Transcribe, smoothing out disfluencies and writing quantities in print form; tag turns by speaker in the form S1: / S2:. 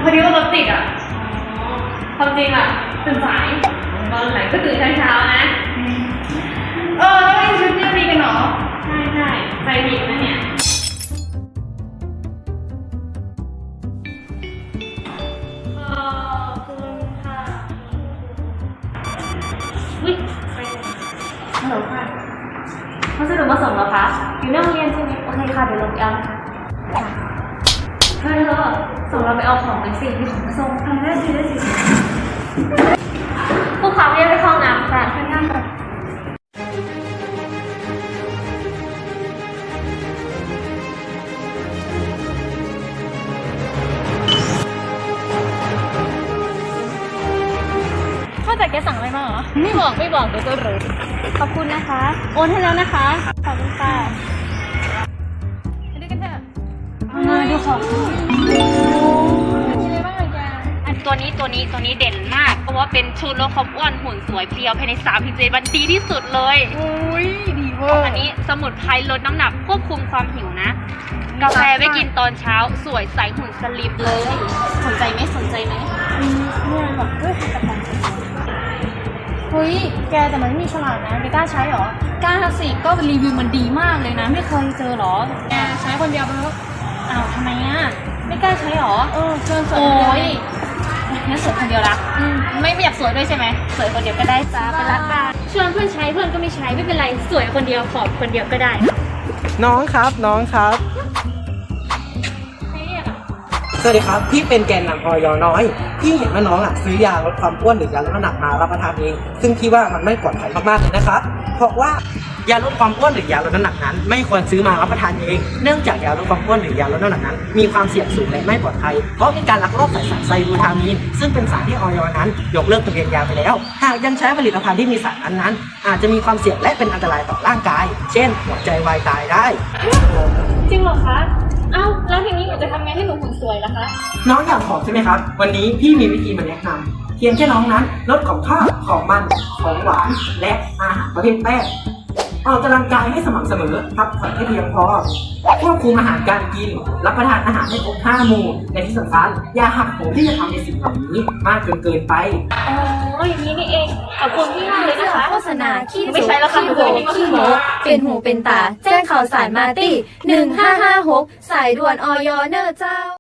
S1: อดีว่ารถติดอ่ะความจริงอ่ะตื่นสายตอนไหนก็ตื่นเช้าๆนะแล้วไอ้ชุดนี้มีกันเหรอใช่ใจผิดนะเนี่ยคุณค่ะวิไปฮัลโหลค่ะพัสดุมาส่งแล้วคะอยู่ในโรงเรียนใช่ไหมโอเคค่ะเดี๋ยวลงไปเอานะคะเธอส่งเราไปเอาของไปสิมีของมาส่งได้สิผู้ค้าเรียกไปเข้าน้ำค่ะข้างหน้าค่ะ
S2: ข้าแต่แกสั่งอะไรมาเหรอไม่บอกเดี๋ยวจะรู้ขอบคุณนะคะโอนให้แล้วนะคะขอบคุณค่ะไปดูกันเถอะดูของมีอะไรบ้างเลยแก
S3: ตัวนี้เด่นมากเพราะว่าเป็นชูลดความอ้วนหุ่นสวยเพรียวภายใน3-7 วันดีที่สุดเลย
S2: อุ้ยดีเวอร์
S3: อันนี้สมุนไพรลดน้ำหนักควบคุมความหิวนะกาแฟไว้กินตอนเช้าสวยใสหุ่นสลิปเลยสนใจไหม
S2: เนี่ยแบบด้วยผลิตภัณฑ์เฮ้ยแกแต่มันไม่มีฉลากนะแกกล้าใช้หรอกล้าสิก็รีวิวมันดีมากเลยนะไม่เคยเจอหรอแกใช้คนเดียวไปแล้วอ้าวทำไมอ่ะไม่กล้าใช้หรอเชิญสวยคนเดียวงั้นสวยคนเดียวละไม่อยากสวยด้วยใช่ไหมสวยคนเดียวก็ได้จ้าไปรักกันชวนเพื่อนใช้เพื่อนก็ไม่ใช้ไม่เป็นไรสวยคนเดียวขอบคนเดียวก็ได้
S4: น้องครับสวัสดีครับพี่เป็นแกนนำอยน้อยพี่เห็นว่าน้องซื้อยาลดความอ้วนหรือยาลดน้ำหนักมารับประทานเองซึ่งพี่ว่ามันไม่ปลอดภัยมากๆเลยนะครับเพราะว่ายาลดความอ้วนหรือยาลดน้ำหนักนั้นไม่ควรซื้อมารับประทานเองเนื่องจากยาลดความอ้วนหรือยาลดน้ำหนักนั้นมีความเสี่ยงสูงและไม่ปลอดภัยเพราะมีการลักลอบใส่สารไซบูทามีนซึ่งเป็นสารที่อยนั้นยกเลิกทะเบียนยาไปแล้วหากยังใช้ผลิตภัณฑ์ที่มีสารนั้นอาจจะมีความเสี่ยงและเป็นอันตรายต่อร่างกายเช่นหัวใจวายตายได้
S2: จริงเหรอคะแล้วทีนี้หนูจะทำไงให้หนูหุ่นสวยล่ะคะ
S4: น้องอยากผอมใช่ไหมครับวันนี้พี่มีวิธีมาแนะนำเพียงแค่น้องนั้นลดของข้าวของมันของหวานและอาหารประเภทแป้งออกกำลังกายให้สม่ำเสมอพักผ่อนให้เพียงพอควบคุมอาหารการกินรับประทานอาหารให้ครบ5 หมู่ในที่สำคัญอย่าหักโหมที่จะทำในสิ่งเหล่านี้มากจนเกินไป
S2: อย่างนี้นี่เองขอบคุณพี่มากเลยนะคะ
S5: โฆษณาขี้
S2: ไม่ใช่แล้วค่ะ
S5: ขี้โมเป็นหูเป็นตาแจ้งข่าวสารมาตี้1556สายด่วนอยเนอร์เจ้า